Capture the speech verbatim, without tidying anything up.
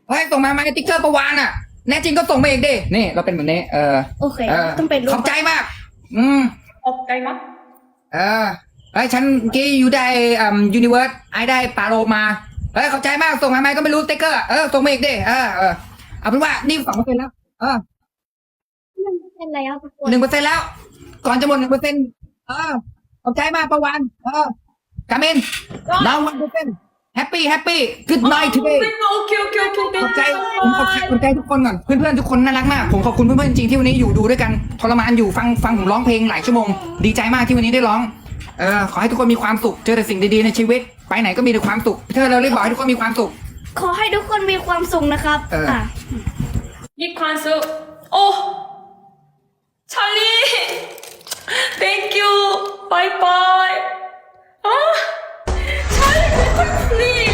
เฮ้ยส่งมาไหมติ๊กเกอร์ประวานอ่ะแน่จริงก็ส่งมาเองดินี่เราเป็นแบบนี้เออโอเคเออต้องเป็นรูปขอบใจมาก อืมออกใจมั้ยเออเฮ้ยฉันเมื่อกี้อยู่ได้อ่ายูนิเวิร์สไอได้ปาโลมาเฮ้ยขอบใจมากส่งมาไหมก็ไม่รู้ติ๊กเกอร์เออส่งมาอีกดิเออเออเอาเป็นว่านี่สองเปอร์เซ็นต์แล้วเออเป็นอะไรครับทุกคนหนึ่งเปอร์เซ็นต์แล้ว ก่อนจะหมดหนึ่งเปอร์เซ็นต์เออขอบใจมากประวานเออกามินดาววันเปอร์เซ็นต์แฮปปี้แฮปปี้กูดไนท์ทูเดย์โอเคโอเคโอเคขอบใจผมขอบใจขอบใจทุกคนก่อนเพื่อนๆทุกคนน่ารักมากผมขอบคุณเพื่อนๆจริงๆที่วันนี้อยู่ดูด้วยกันทรมานอยู่ฟังฟังผมร้องเพลงหลายชั่วโมงดีใจมากที่วันนี้ได้ร้องเออขอให้ทุกคนมีความสุขเจอแต่สิ่งดีๆในชีวิตไปไหนก็มีแต่ความสุขเธอเราเรียกบอกให้ทุกคนมีความสุขขอให้ทุกคนมีความสุขนะครับเอออ่ะมีความสุขโอ้ชาลี thank you bye bye อ่ะชาลี please